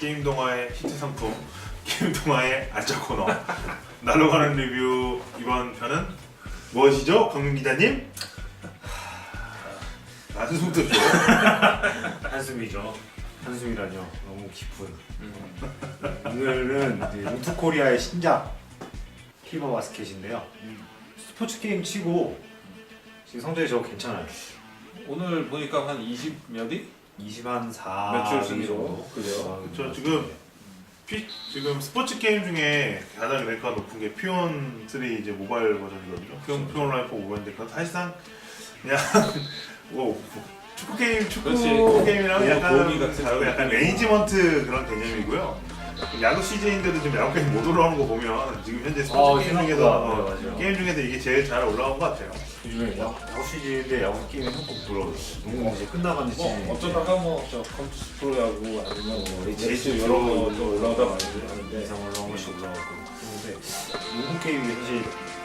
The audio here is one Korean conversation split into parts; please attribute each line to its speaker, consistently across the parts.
Speaker 1: 게임 동화의 히트 상품, 게임 동화의 안짜 코너. 날로 가는 리뷰 이번 편은 무엇이죠, 강민 기자님? 한숨도 쉬어.
Speaker 2: 한숨이죠. 한숨이라뇨. 너무 깊은. 오늘은 우투코리아의 신작 피버 바스켓인데요. 스포츠 게임 치고 지금 성적이 저 괜찮아요.
Speaker 3: 오늘 보니까 한 20몇 위?
Speaker 2: 24
Speaker 3: 매출 순위로.
Speaker 2: 정도.
Speaker 3: 그죠.
Speaker 1: 저 지금 지금 스포츠 게임 중에 가장 랭크가 높은 게 피온 3 이제 모바일 버전이거든요. 피온 라이프 모바일인데 그건 사실상 그냥 뭐 축구
Speaker 3: 그렇지.
Speaker 1: 게임이랑
Speaker 3: 뭐
Speaker 1: 약간
Speaker 3: 도우미 같은
Speaker 1: 다르고 약간 매니지먼트 그런 개념이고요. 야구 시즌인데도 지금 야구 게임 못 올라오는 거 보면 지금 현재 스포츠 게임 중에서
Speaker 2: 맞아요.
Speaker 1: 게임 중에서 이게 제일 잘 올라온 것 같아요.
Speaker 2: 요즘에 야구 시즌인데 야구 게임이 한국 들어오고 너무 이제 끝나가는
Speaker 3: 뭐 어쩌다가 뭐저 컴퓨터 프로야구 아니면 뭐
Speaker 2: HC
Speaker 3: HC 여러 거 올라오다 많이 하는데
Speaker 2: 이상 올라온 것이 올라오고 그런데 농구 게임이 사실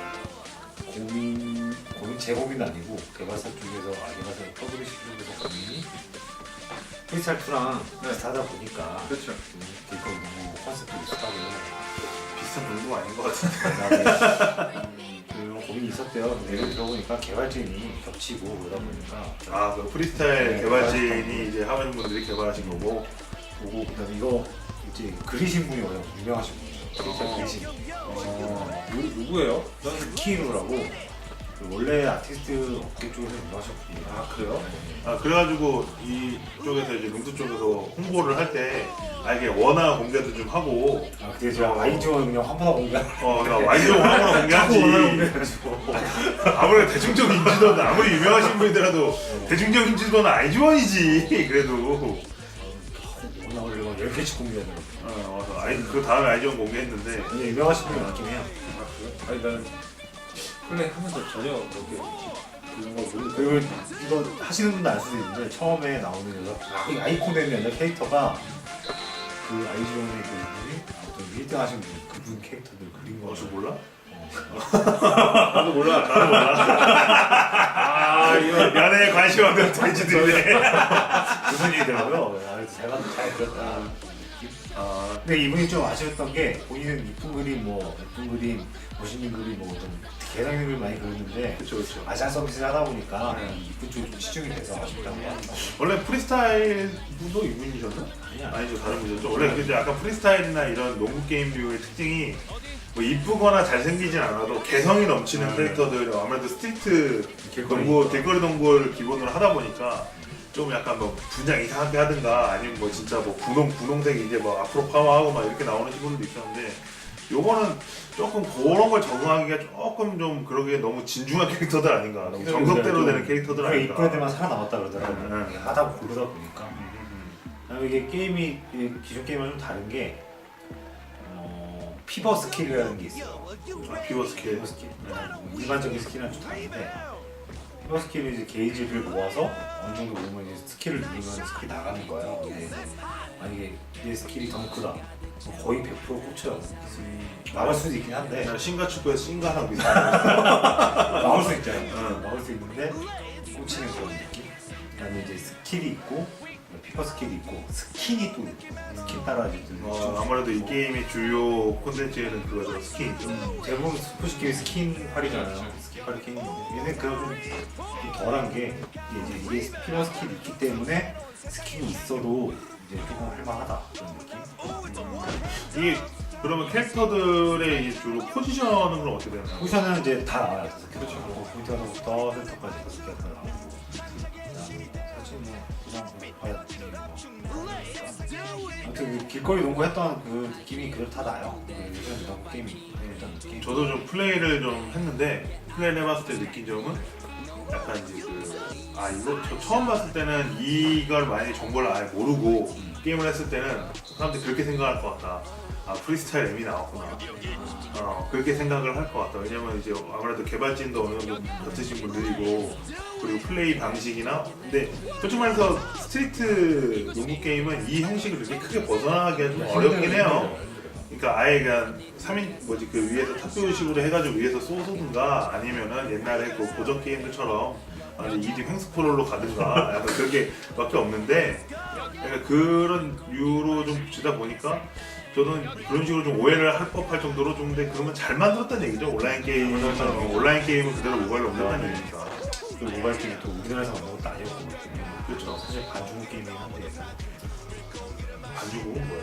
Speaker 2: 제 고민은 아니고 개발사 쪽에서 개발사 퍼블리셔 쪽에서 고민이 프리스타일 2랑 비슷하다 보니까
Speaker 3: 그렇죠.
Speaker 2: 길거리 농구 컨셉도 비슷하고
Speaker 1: 비슷한 농구가 아닌 것 같은데.
Speaker 2: 그다음에 그런 고민이 있었대요. 근데 들어보니까 개발진이 겹치고 그러다 보니까
Speaker 1: 아, 그 프리스타일
Speaker 2: 네,
Speaker 1: 개발진이 이제 하는 분들이 개발하신 거고.
Speaker 2: 보고 그다음에 이거 이제 그리신 분이 워낙 유명하신 분이에요. 그리신
Speaker 3: 누구예요?
Speaker 2: 키루라고 원래 아티스트 업계 쪽에서 유명하신 분이에요.
Speaker 3: 아 그래요?
Speaker 1: 아, 그래가지고 이쪽에서 이제 농구 쪽에서 홍보를 할 때 이게 원화 공개도 좀 하고
Speaker 2: 아 근데 제가 아이즈원 그냥 화보나 공개하고
Speaker 1: 그러니까 완전 원화로 공개하지.
Speaker 2: 공개해가지고
Speaker 1: 아무래도 대중적 인지도는 아무리 유명하신 분이더라도 대중적 인지도는 아이즈원이지. 그래도
Speaker 2: 워낙 올리고 10개씩 공개하는
Speaker 1: 그 다음에 아이즈원 공개했는데
Speaker 2: 근데 유명하신 분이 많긴 해요.
Speaker 3: 아 그래요? 아니 나는 플레이 하면서 전혀 그렇게 그런 거 모르고
Speaker 2: 그리고 이거 하시는 분도 알 수도 있는데 처음에 나오는 여자 아이콘 되는 여자 캐릭터가 그 아이즈원의 그 분이 어떤 1등 하신 분 그분 캐릭터들 그린 거
Speaker 1: 저 몰라?
Speaker 3: 나도 몰라. 나도 몰라. 아 이거
Speaker 1: 연애에 관심 없는 돼지들이네.
Speaker 2: 무슨 얘기더라고요. 잘 들었다. 근데 이분이 좀 아쉬웠던 게 본인은 이쁜 그림 멋있는 그림 어떤 개성 그림 많이 그렸는데
Speaker 1: 그렇죠.
Speaker 2: 아시안 서비스를 하다 보니까 이쁜 쪽이 좀 치중이 돼서 아쉽다고 합니다.
Speaker 1: 원래 프리스타일 분도 이분이셨나? 아니죠, 다른 분이죠. 원래 근데 약간 프리스타일이나 이런 농구 게임류의 특징이 뭐 이쁘거나 잘생기진 않아도 개성이 넘치는 캐릭터들, 아무래도 스트리트 농구, 길거리 농구를 기본으로 하다 보니까 좀 약간 뭐 분장 이상하게 하든가 아니면 뭐 진짜 뭐 분홍색 이제 뭐 앞으로 파마하고 막 이렇게 나오는 친구들도 있었는데 요거는 조금 그런 걸 적응하기가 조금 좀 그러기에 너무 진중한 캐릭터들 아닌가, 너무 정석대로 되는 캐릭터들
Speaker 2: 그게
Speaker 1: 아닌가.
Speaker 2: 이쁜 애들만 살아남았다 그러더라고요.
Speaker 1: 네.
Speaker 2: 하다 고르다 보니까. 그다음에 이게 게임이 기존 게임은 좀 다른 게 피버 스킬이라는 게 있어요.
Speaker 1: 피버 스킬.
Speaker 2: 피버 스킬. 일반적인 스킬이랑 좀 다른데 피버 스킬은 이제 게이지를 모아서 어느 정도 모으면 이제 스킬을 누르면 스킬이 나가는 거예요. 근데 만약에 이 스킬이 덩크다. 거의 100% 꽂혀요. 나갈 수도 있긴 한데
Speaker 1: 신가 축구에서 신가랑 비슷한.
Speaker 2: 나올 수 있잖아요. 나올 수 있는데 꽂히는 그런 느낌. 그다음에 이제 스킬이 있고 피버 스킬이 있고 스킨이 또 있고 스킨 따라 이제
Speaker 1: 아무래도 이 게임의 주요 콘텐츠에는 그거죠, 스킨이죠.
Speaker 2: 대부분 스포츠 게임 스킨 활이잖아요. 스킨 활이 게임인데 얘는 그냥 좀 덜한 게 이게 피버 스킬이 있기 때문에 스킨이 있어도 이제 조금 할만하다 그런 느낌.
Speaker 1: 이게 그러면 캐릭터들의 이 주로 포지션은 그럼 어떻게 되나요?
Speaker 2: 포지션은 이제 다 나와요. 그렇죠. 포인트 하나부터 센터까지 5개 다 나오고. 사실 뭐 그냥 봐야 아무튼 그 길거리 농구 했던 그 느낌이 그대로 다 나요. 요즘 농구 게임이 했던 느낌.
Speaker 1: 저도 좀 플레이를 좀 했는데 플레이를 해봤을 때 느낀 점은 약간 이제 이거 저 처음 봤을 때는 이걸 만약에 정보를 아예 모르고 게임을 했을 때는 사람들이 그렇게 생각할 것 같다. 아, 프리스타일 M이 나왔구나. 그렇게 생각을 할 것 같다. 왜냐면 이제 아무래도 개발진도 어느 정도 같으신 분들이고 그리고 플레이 방식이나 근데 솔직히 말해서 스트리트 농구 게임은 이 형식을 그렇게 크게 벗어나기가 좀 어렵긴 해요. 그러니까 아예 그냥 3인 그 위에서 탑뷰식으로 해가지고 위에서 쏘든가 아니면은 옛날에 그 고전 게임들처럼 2D 횡스크롤로 가든가 약간 그렇게 밖에 없는데 그러니까 그런 류로 좀 붙이다 보니까 저는 그런 식으로 좀 오해를 할 법할 정도로 좀 근데 그러면 잘 만들었다는 얘기죠. 온라인 게임은 온라인 게임은 그대로 모바일로 옮겼다는 얘기니까.
Speaker 2: 그 모바일 게임이 또 우리나라에서 만든 것도 아니었고
Speaker 1: 그렇죠.
Speaker 2: 사실 반중 게임이긴 한데
Speaker 1: 반주고 뭐야?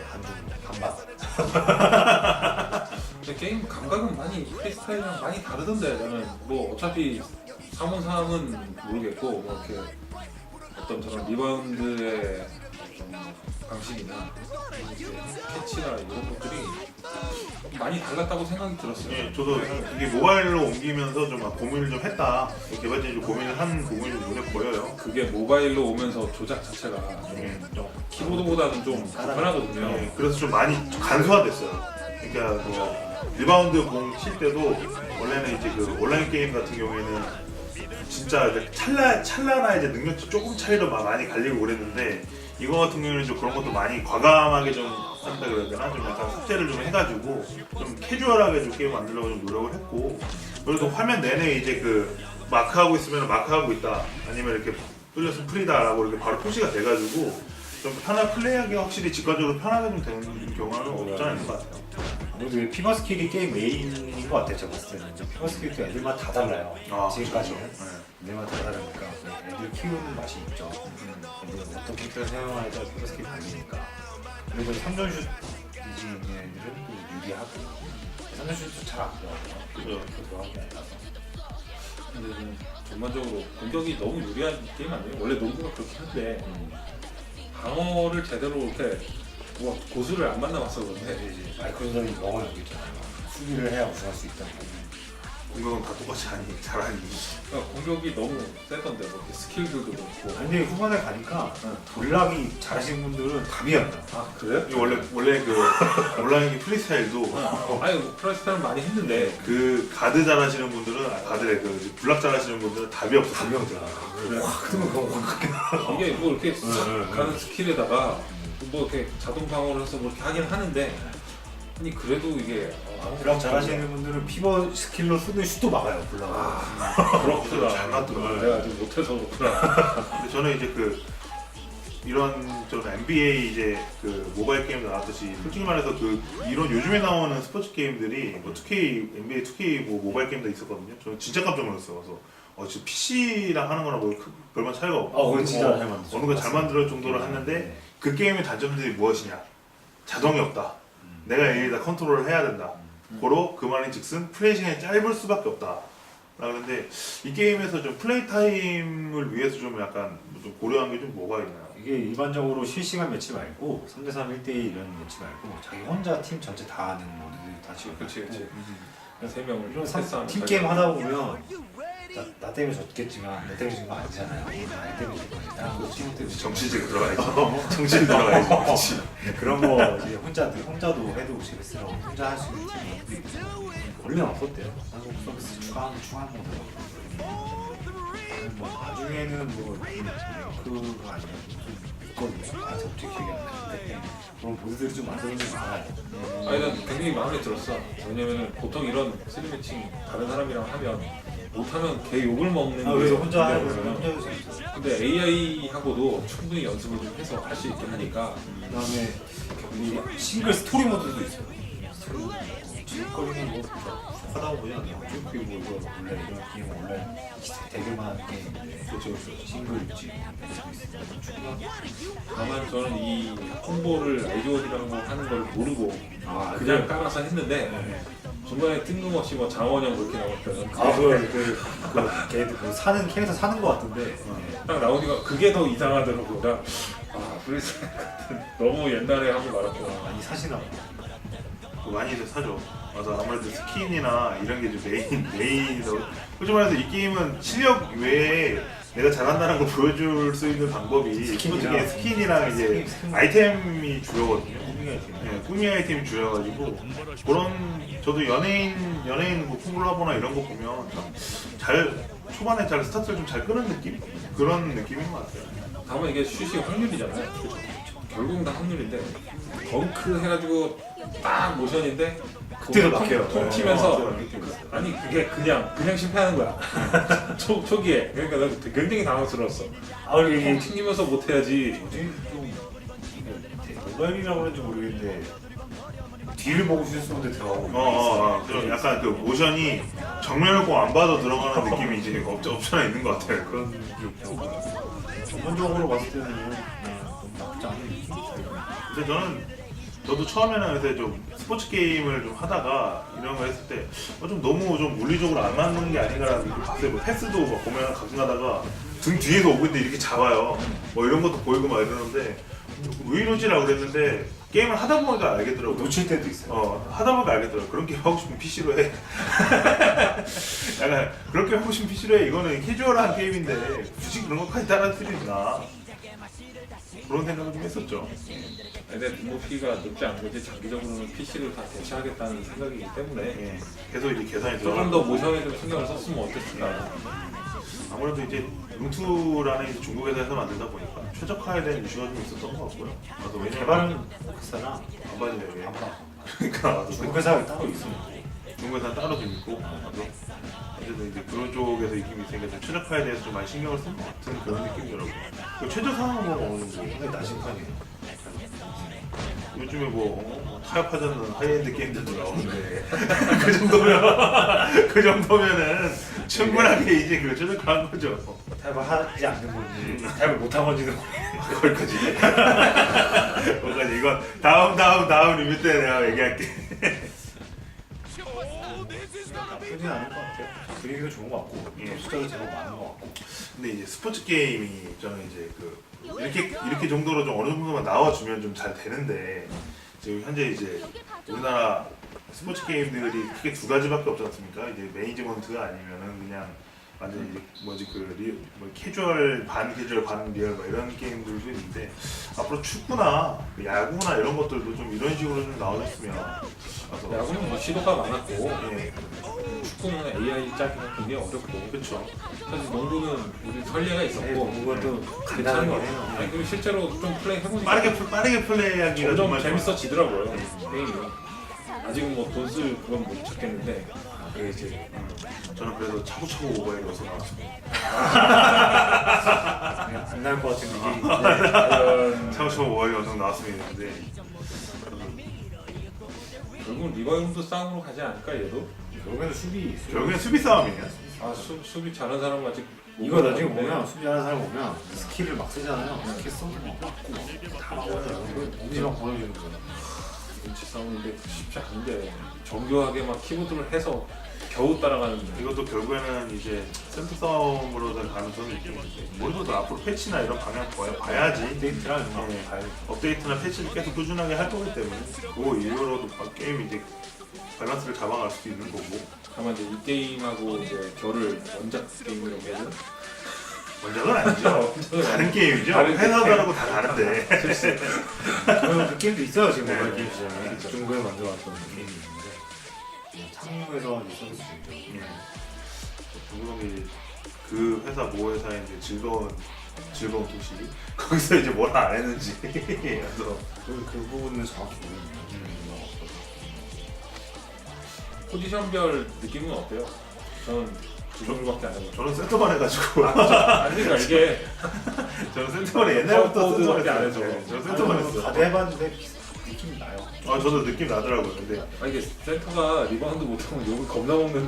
Speaker 2: 반반.
Speaker 3: 근데 게임 감각은 많이 프리스타일이랑 많이 다르던데 나는 뭐 어차피 3온3은 모르겠고 뭐 이렇게 어떤 저런 리바운드의 어떤 방식이나 이렇게 캐치나 이런 것들이 많이 달랐다고 생각이 들었어요.
Speaker 1: 예, 저도 이게 모바일로 옮기면서 좀 고민을 좀 했다. 개발진이 좀 고민을 한 부분이 좀 눈에 보여요.
Speaker 3: 그게 모바일로 오면서 조작 자체가 좀 키보드보다는 좀 불편하거든요.
Speaker 1: 예, 그래서 좀 많이 좀 간소화됐어요. 그러니까 뭐 리바운드 공 칠 때도 원래는 이제 그 온라인 게임 같은 경우에는 진짜 이제 찰나나 이제 능력치 조금 차이로 많이 갈리고 그랬는데 이거 같은 경우에는 좀 그런 것도 많이 과감하게 좀 한다 그래야 되나? 좀 약간 삭제를 좀 해가지고 좀 캐주얼하게 좀 게임 만들려고 좀 노력을 했고 그래도 화면 내내 이제 그 마크하고 있으면 마크하고 있다 아니면 이렇게 뚫렸으면 프리다라고 이렇게 바로 표시가 돼가지고 좀 플레이하기 확실히 직관적으로 편하게 좀 되는 경우는 없지 않은 것 같아요.
Speaker 2: 아무래도 피버 스킬이 게임 메인인 것 같아요. 제가 봤을 때는 피버 스킬도 애들마다 다 달라요. 지금까지는
Speaker 1: 그렇죠.
Speaker 2: 애들마다 다 다르니까 애들 키우는 맛이 있죠. 애들은 어떤 캐릭터를 사용하냐에 따라 피버 스킬이 달리니까 그래도 3점슛 이지는 애들은 또 유리하고 3점슛도 잘 안 들어가고요.
Speaker 1: 그죠.
Speaker 2: 들어가는 게 아니라서
Speaker 3: 근데 좀 전반적으로 공격이 너무 유리한 게임 아니에요? 원래 농구가 그렇긴 한데 방어를 제대로 이렇게 뭐 고수를 안 만나봤어 그런데
Speaker 2: 마이클 조던이 영어 여기잖아요. 수비를 해야 우승할 수 있다는 거.
Speaker 1: 공격은 다 똑같이 하니 잘하니.
Speaker 3: 그러니까 공격이 너무 세던데 뭐 이렇게 스킬들도 그렇고.
Speaker 2: 근데 후반에 가니까 돌락이 잘하시는 분들은 답이 안 나.
Speaker 3: 아 그래요?
Speaker 1: 이게 원래 그 온라인 프리스타일도
Speaker 3: 아니 뭐 프라이스타는 많이 했는데
Speaker 1: 그 가드 잘하시는 분들은 가드래 그 블락 잘하시는 분들은 답이 없어.
Speaker 2: 답이 없더라.
Speaker 3: 그래.
Speaker 2: 그러면 그거 확
Speaker 3: 이게 뭐 이렇게 싹
Speaker 2: 응.
Speaker 3: 가는 스킬에다가 뭐 이렇게 자동 방어를 해서 뭐 이렇게 하긴 하는데 아니 그래도 이게
Speaker 2: 블락 잘하시는 분들은 피버 스킬로 쓰는 슛도 막아요. 블락.
Speaker 3: 그렇구나.
Speaker 1: 잘 맞더라고요.
Speaker 3: 내가 좀 못해서 그렇구나.
Speaker 1: 근데 저는 이제 그 이런 좀 NBA 이제 그 모바일 게임 나왔듯이 솔직히 말해서 그 이런 요즘에 나오는 스포츠 게임들이 뭐 2K NBA 2K 뭐 모바일 게임도 있었거든요. 저는 진짜 깜짝 놀랐어요. 그래서 지금 PC랑 하는 거랑 뭐 별반 차이가 없고
Speaker 2: 그건 진짜 잘 만들었어.
Speaker 1: 어느 거 잘 만들 정도로 했는데 그 게임의 단점들이 무엇이냐? 자동이 없다. 내가 여기다 컨트롤을 해야 된다. 고로 그 말인즉슨 플레이 시간이 짧을 수밖에 없다. 그런데 이 게임에서 좀 플레이 타임을 위해서 좀 약간 좀 고려한 게 좀 뭐가 있나요?
Speaker 2: 이게 일반적으로 실시간 매치 말고 3대3 1대1 이런 매치 말고 자기 혼자 팀 전체 다 하는 모드들이 다 지금
Speaker 3: 그렇지
Speaker 2: 있고
Speaker 3: 그렇지. 세 명을
Speaker 2: 이런
Speaker 3: 패스하면
Speaker 2: 팀 게임 하다 보면 나 때문에 졌겠지만 내 때문에 진 거 아니잖아요. 나 때문에 진 거지. 다른 거 팀 때문에
Speaker 1: 정치질 들어가야지. 정치질 들어가야지. 그렇지.
Speaker 2: 그런 거 이제 혼자도 해도 재밌어요. 혼자 할 수 있는 팀이 원래 없었대요. 한국 서비스 추가하면 뭐 나중에는 뭐 그거 아니야 있거든요. 아 솔직히 기억이 안 나는데 그런 모드들이 좀 만드는 게 많아요.
Speaker 3: 아니 난 굉장히 마음에 들었어. 왜냐면은 보통 이런 3매칭 다른 사람이랑 하면 못하면 개 욕을 먹는 게
Speaker 2: 그래서 혼자 하고
Speaker 3: 문제거든요.
Speaker 2: 혼자 해도 재밌어요.
Speaker 3: 근데 AI하고도 충분히 연습을 좀 해서 할 수 있게 하니까
Speaker 2: 그다음에 이 싱글 스토리 모드도 있어요. 질거리는 뭐 하다 보면 어차피 뭐 이거 원래 이런 게임 원래 대결만 하는 게임인데
Speaker 3: 그렇죠.
Speaker 2: 싱글 있지.
Speaker 3: 다만 저는 이 홍보를 아이디어이라고 하는 걸 모르고 그냥 깔아서 했는데 중간에 뜬금없이 뭐 장원영 그렇게 나올 때는
Speaker 2: 걔들 뭐 사는 캐릭터 사는 거 같은데
Speaker 3: 딱 나오니까 그게 더 이상하더라고. 나 브리스 같은 너무 옛날에 하고 말았구나.
Speaker 2: 많이 사시나 봐.
Speaker 1: 많이들 사죠. 맞아. 아무래도 스킨이나 이런 게 좀 메인이라고. 솔직히 말해서 이 게임은 실력 외에 내가 잘한다는 걸 보여줄 수 있는 방법이 솔직히 스킨이랑 이제 아이템이 주요거든요. 네, 꾸미 아이템이 주요가지고 그런 저도 연예인 뭐 폼블라보나 이런 거 보면 잘 초반에 잘 스타트를 좀 잘 끄는 느낌? 그런 느낌인 것 같아요.
Speaker 3: 다만 이게 슛이 확률이잖아요. 결국은 다 확률인데 덩크 해가지고 딱 모션인데
Speaker 2: 그때도 막혀요.
Speaker 3: 통 튀면서 아니 그게 그냥 실패하는 거야. 초기에 그러니까 나 굉장히 당황스러웠어. 통 튀기면서 못해야지.
Speaker 2: 모바일이라고 그런지 모르겠는데 뒤를 보고 슛 쏘는데 들어가고
Speaker 1: 그럼 약간 그 모션이 정면을 꼭 안 봐도 들어가는 느낌이 이제 없잖아 있는 것 같아요.
Speaker 2: 그런 게 있더라고요. 전반적으로 봤을 때는 너무 나쁘지 않은 느낌이 들어요.
Speaker 1: 근데 저도 처음에는 그래서 좀 스포츠 게임을 좀 하다가 이런 거 했을 때 좀 너무 좀 물리적으로 안 맞는 게 아닌가라는 느낌 봤어요. 뭐 패스도 막 보면 가끔 가다가 등 뒤에서 오고 있는데 이렇게 잡아요. 뭐 이런 것도 보이고 막 이러는데 왜 이러지라고 그랬는데 게임을 하다 보니까 알겠더라고요.
Speaker 2: 놓칠 때도 있어요.
Speaker 1: 하다 보니까 알겠더라고요. 그런 게임 하고 싶으면 PC로 해. 약간 그렇게 하고 싶으면 PC로 해. 이거는 캐주얼한 게임인데 굳이 그런 것까지 따라할 필요 있나. 그런 생각을 좀 했었죠.
Speaker 3: 근데 눈높이가 높지 않은 거지 장기적으로는 PC를 다 대체하겠다는 생각이기 때문에
Speaker 1: 예. 계속 이제 계산이
Speaker 3: 조금
Speaker 1: 들어가고
Speaker 3: 더 모션에 좀 신경을 썼으면 어땠을까.
Speaker 1: 아무래도 이제 룸투라는 이제 중국 회사에서 만들다 보니까 최적화에 대한 이슈가 좀 있었던 것 같고요. 나도 왜냐면
Speaker 2: 개발은 회사나
Speaker 1: 안 봐도 돼.
Speaker 2: 안 봐.
Speaker 1: 그러니까 나도
Speaker 2: 중국 회사가 따로 있습니다.
Speaker 1: 중국 회사 따로 좀 있고 나도 어쨌든 이제 그런 쪽에서 느낌이 있으니까 좀 최적화에 대해서 좀 많이 신경을 쓴 것 같은 그런 느낌이더라고요. 그 최저 상황은 뭐 어느 정도
Speaker 2: 상당히 낮은 편이에요.
Speaker 1: 요즘에 뭐 타협하지 않는 하이엔드 게임들도 나오는데 그 정도면 그 정도면은 충분하게 이제 그 최적화한 거죠.
Speaker 2: 타협을 하지 않는 건지 타협을 못한 건지도
Speaker 1: 거기까지. 거기까지 이건 다음 리뷰 때 내가 얘기할게.
Speaker 2: 나쁘진 않을 것 같아요. 분위기도 좋은 것 같고
Speaker 1: 예.
Speaker 2: 숫자도 제법 많은 것 같고.
Speaker 1: 근데 이제 스포츠 게임이 저는 이제 그 이렇게 정도로 좀 어느 정도만 나와주면 좀 잘 되는데 지금 현재 이제 우리나라 스포츠 게임들이 크게 두 가지밖에 없지 않습니까? 이제 매니지먼트가 아니면은 그냥 완전 이제 뭐지 뭐 캐주얼 반 캐주얼 반 리얼 뭐 이런 게임들도 있는데 앞으로 축구나 야구나 이런 것들도 좀 이런 식으로 좀 나와줬으면.
Speaker 3: 야구는 뭐 시도가 많았고
Speaker 1: 예,
Speaker 3: 축구는 AI 짜기는 굉장히 어렵고
Speaker 1: 그렇죠.
Speaker 3: 사실 농구는 우리 설례가 있었고
Speaker 2: 그것도
Speaker 3: 괜찮은
Speaker 2: 간단하게
Speaker 3: 거
Speaker 2: 해요.
Speaker 3: 같아요. 아니 그리고 실제로 좀 플레이 해보니까
Speaker 1: 빠르게 플레이하기가
Speaker 3: 점점
Speaker 1: 정말
Speaker 3: 재밌어지더라고요 게임이. 아직은 뭐 돈 쓸 그건 못 찾겠는데
Speaker 2: 그게 이제
Speaker 1: 저는 그래도 차고차고 오버에 넣어서 나왔습니다.
Speaker 2: 안 나올 것 같은 느낌이
Speaker 3: 과연
Speaker 1: 차고차고 오버에 넣어서 나왔으면 했는데
Speaker 3: 결국은 리바운드 싸움으로 가지 않을까 얘도?
Speaker 2: 결국에는 수비.
Speaker 1: 결국엔 수비 싸움이에요.
Speaker 3: 수비 잘하는 사람 아직
Speaker 2: 이거 나중에 보면 수비하는 사람 보면 스킬을 막 쓰잖아요. 스킬 써도 막 맞고 다 막아요. 엄지 막 보여주는 거예요.
Speaker 3: 눈치 싸움인데 쉽지 않은데 정교하게 막 키보드를 해서 겨우 따라가는데
Speaker 1: 이것도 결국에는 이제 센터 싸움으로 된 가능성이 있겠는데 모르도 앞으로 패치나 이런 방향 봐야지.
Speaker 2: 업데이트랑 이런 거
Speaker 1: 네.
Speaker 2: 봐야 돼.
Speaker 1: 업데이트나 패치를 계속 꾸준하게 할 거기 때문에 그거 이후로도 게임이 이제 밸런스를 잡아갈 수도 있는 거고.
Speaker 3: 다만 이제 이 게임하고 이제 결을 원작 게임이라고 해야 되나?
Speaker 1: 원작은 아니죠. 다른 게임이죠.
Speaker 3: 다른
Speaker 1: 회사별하고 다 다른데.
Speaker 2: 그 게임도 있어요 지금
Speaker 1: 네,
Speaker 2: 모바일
Speaker 1: 네.
Speaker 2: 게임 시장에.
Speaker 1: 그렇죠.
Speaker 2: 중국에 만들어왔던 게임이 있는데 창무에서 이제 서비스 중이죠.
Speaker 1: 예. 중국이 그 회사 모 회사의 이제 즐거운 도시 거기서 이제 뭘 안 했는지 그래서
Speaker 2: 그 부분은 정확히 모르겠네요.
Speaker 3: 포지션별 느낌은 어때요? 저는 두 종류밖에 안 해봤어요.
Speaker 1: 저는 센터만 해가지고
Speaker 3: 아니 그러니까 이게
Speaker 1: 저는 센터만 옛날부터
Speaker 3: 파워포드밖에
Speaker 1: 센터만
Speaker 3: 안
Speaker 1: 했어요.
Speaker 3: 해서.
Speaker 1: 네, 저는 센터만 했어요.
Speaker 2: 다들 해봤는데 느낌이 나요.
Speaker 1: 저도 느낌 나더라고요. 근데
Speaker 3: 이게 센터가 리바운드 못하면 욕을 겁나 먹는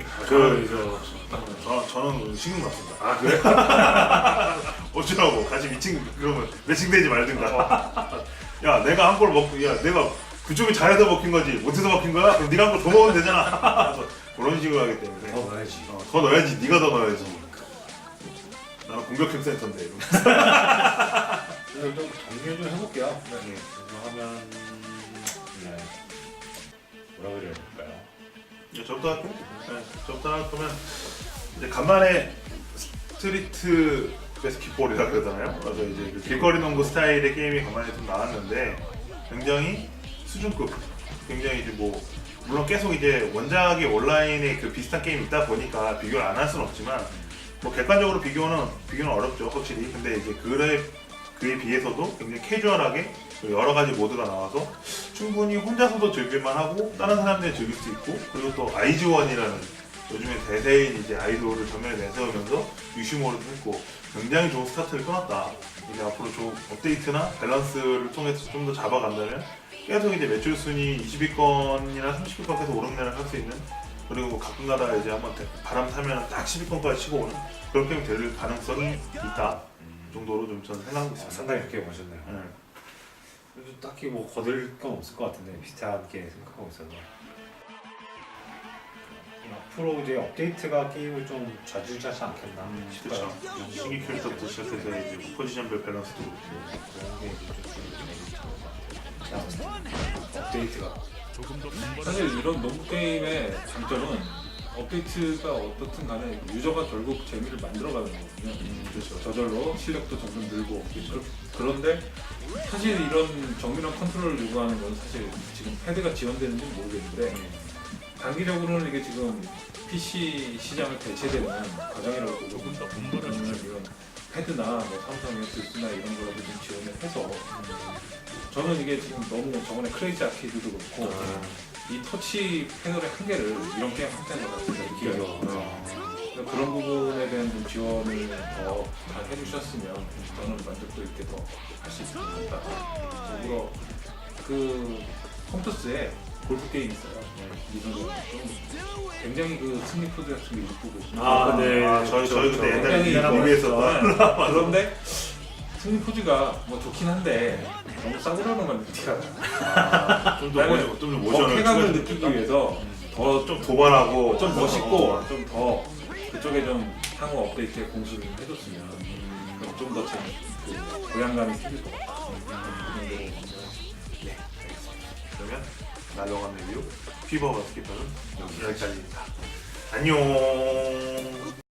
Speaker 1: 저는 신경 났습니다. 아 그래? 어쩌라고 같이 그러면 매칭되지 말든가. 야 내가 한 골 먹고 야 내가 그쪽이 잘해서 먹힌 거지 못해서 먹힌 거야? 그럼 네가 한 골 더 먹으면 되잖아. 그래서 그런 식으로 하기 때문에
Speaker 2: 더 넣어야지.
Speaker 1: 더 넣어야지. 네가 더 넣어야지. 나는 공격형 센터인데. 이러면서.
Speaker 2: 그래서 좀 정리를 좀 해볼게요.
Speaker 1: 네.
Speaker 2: 그래서 하면 네. 뭐라 그래야 될까요?
Speaker 1: 저부터 할게요. 네, 저부터 할 거면 이제 간만에 스트리트 배스킷볼이라 그러잖아요. 그래서 이제 그 길거리 농구 스타일의 게임이 간만에 좀 나왔는데 굉장히 수준급, 굉장히 이제 뭐 물론 계속 이제 원작의 온라인에 그 비슷한 게임이 있다 보니까 비교를 안 할 수는 없지만 뭐 객관적으로 비교는 어렵죠 확실히. 근데 이제 그에 비해서도 굉장히 캐주얼하게 여러 가지 모드가 나와서 충분히 혼자서도 즐길만 하고 다른 사람들이 즐길 수 있고 그리고 또 아이즈원이라는 요즘에 대세인 이제 아이돌을 전면에 내세우면서 유시모를 했고 굉장히 좋은 스타트를 끊었다. 이제 앞으로 좀 업데이트나 밸런스를 통해서 좀 더 잡아간다면 계속 이제 매출 순위 20위권이나 30위권까지 오르내를 할 수 있는, 그리고 뭐 가끔가다 이제 한번 바람 타면 딱 10위권까지 치고 오는 그런 게임이 될 가능성이 있다 정도로 좀 저는 생각하고 있습니다.
Speaker 2: 상당히 그렇게 보셨네요.
Speaker 1: 네.
Speaker 2: 그래도 딱히 뭐 거들 건 없을 것 같은데 비슷하게 생각하고 있어서 앞으로 이제 업데이트가 게임을 좀 좌지우지하지 않겠나 싶어요.
Speaker 1: 그렇죠. 신규 캐릭터부터 시작해서 이제 포지션별 밸런스도 그렇고
Speaker 2: 그런 게 이제 좀 제가 봤을 때 업데이트가
Speaker 3: 사실 이런 농구 게임의 장점은 업데이트가 어떻든 간에 유저가 결국 재미를 만들어가는 거거든요. 그렇죠. 저절로 실력도 점점 늘고 그런데 사실 이런 정밀한 컨트롤을 요구하는 건 사실 지금 패드가 지원되는지 모르겠는데 단기적으로는 이게 지금 PC 시장을 대체되는 과정이라고 보고 그러면 이런 패드나 뭐 삼성 엑스나 이런 거라도 좀 지원을 해서 저는 이게 지금 너무 저번에 크레이지 아케이드도 그렇고 이 터치 패널의 한계를 이런 게임 한계인 것 같아요. 느껴요. 그런 부분에 대한 좀 지원을 더 잘 해주셨으면 저는 만족도 있게 더 할 수 있을 것 같다. 더불어 그 컴퓨터스에 골프 게임 있어요. 이런 굉장히 그 승리 코드 같은 게 이쁘고.
Speaker 1: 저희 그때
Speaker 3: 굉장히
Speaker 1: 옛날에 리뷰했었던
Speaker 3: 그런데 승리 포즈가 뭐 좋긴 한데 너무 싸구려는 건 티가
Speaker 1: 좀더 모션을
Speaker 3: 쾌감을 느끼기 위해서 더
Speaker 1: 좀 도발하고
Speaker 3: 좀 멋있고 좀 더 그쪽에 좀 향후 업데이트에 공수를 해줬으면 좀 더 그 고향감이 생길 것 같아요.
Speaker 1: 그러면 날로간 리뷰 피버 바스켓볼은 여기까지입니다. 안녕.